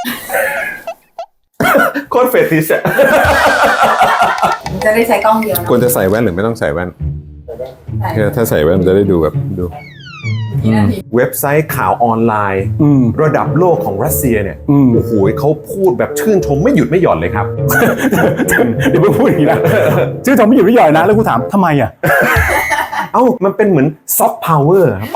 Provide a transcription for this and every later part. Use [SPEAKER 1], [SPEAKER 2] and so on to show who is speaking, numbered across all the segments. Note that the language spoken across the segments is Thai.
[SPEAKER 1] โคตรเฟติชอะ
[SPEAKER 2] จะได้ใช้กล้องเดียวนะ
[SPEAKER 1] ควรจะใส่แว่นหรือไม่ต้องใส่แว่นถ้าใส่แว่นมันจะได้ดูแบบดูเว็บไซต์ข่าวออนไลน์ระดับโลกของรัสเซียเนี่ยโอ้โหเขาพูดแบบชื่นชมไม่หยุดไม่หย่อนเลยครับ
[SPEAKER 3] เดี๋ยวมึงพูดอย่างนี้นะชื่อชมไม่หยุดไม่หย่อนนะแล้วกูถามทำไมอ่ะ
[SPEAKER 1] เอ้ามันเป็นเหมือนซอฟต์พาวเวอร์ครับ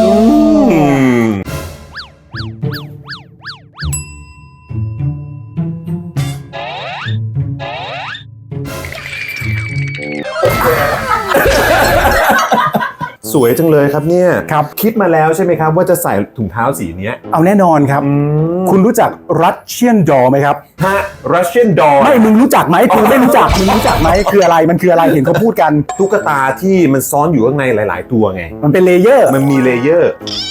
[SPEAKER 1] สวยจังเลยครับเนี่ยครับคิดมาแล้วใช่ไหมครับว่าจะใส่ถุงเท้าสีนี้
[SPEAKER 3] เอาแน่นอนครับคุณรู้จัก Russian doll ไหมครับ
[SPEAKER 1] ฮะ Russian doll
[SPEAKER 3] ไม่มึงรู้จักไหมกูไม่รู้จักมึงรู้จักไหมคืออะไรมันคืออะไรเห็นเขาพูดกัน
[SPEAKER 1] ตุ๊กตาที่มันซ้อนอยู่ข้างในหลายๆตัวไง
[SPEAKER 3] มันเป็นเลเยอร์
[SPEAKER 1] มันมีเลเยอร์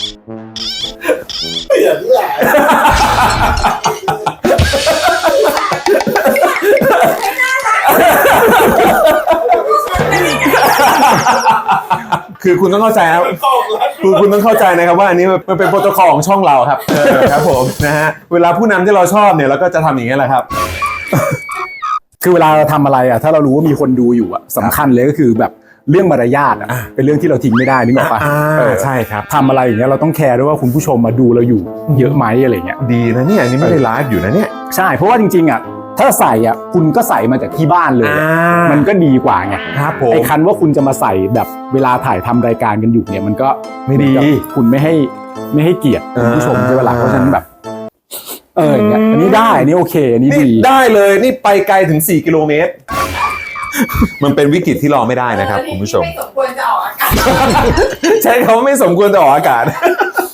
[SPEAKER 1] คือคุณต้องเข้าใจครับคุณต้องเข้าใจนะครับว่าอันนี้มันเป็นโปรโตคอลของช่องเราครับครับผมนะฮะเวลาผู้นำที่เราชอบเนี่ยเราก็จะทำอย่างนี้แหละครับ
[SPEAKER 3] คือเวลาเราทำอะไรอ่ะถ้าเรารู้ว่ามีคนดูอยู่อ่ะสำคัญเลยก็คือแบบเรื่องมารยาทอ่ะเป็นเรื่องที่เราทิ้งไม่ได้นึกออกปะ
[SPEAKER 1] ใช่ครับ
[SPEAKER 3] ทำอะไรอย่างเงี้ยเราต้องแคร์ด้วยว่าคุณผู้ชมมาดูเราอยู่เยอะไหมอะไรเงี้ย
[SPEAKER 1] ดีนะเนี่ยอันนี้ไม่ได้ไลฟ์อยู่นะเนี่ย
[SPEAKER 3] ใช่เพราะว่าจริงๆอ่ะถ้าใส่อ่ะคุณก็ใส่มาจากที่บ้านเลยมันก็ดีกว่าไง
[SPEAKER 1] ครับผม
[SPEAKER 3] ไอ้คันว่าคุณจะมาใส่แบบเวลาถ่ายทำรายการกันอยู่เนี่ยมันก็
[SPEAKER 1] ไม่ดี
[SPEAKER 3] คุณไม่ให้เกียรติคุณผู้ชมใช่ไหมล่ะเพราะฉะนั้นแบบอย่างเงี้ยอันนี้ได้อันนี้โอเคอันนี้ดี
[SPEAKER 1] ได้เลยนี่ไปไกลถึง4 กิโลเมตรมันเป็นวิกฤตที่รอไม่ได้นะครับคุณผู้ชม
[SPEAKER 2] ไม่สมควรจะออกอากาศ
[SPEAKER 1] ใช้คำว่าไม่สมควรจะออกอากาศ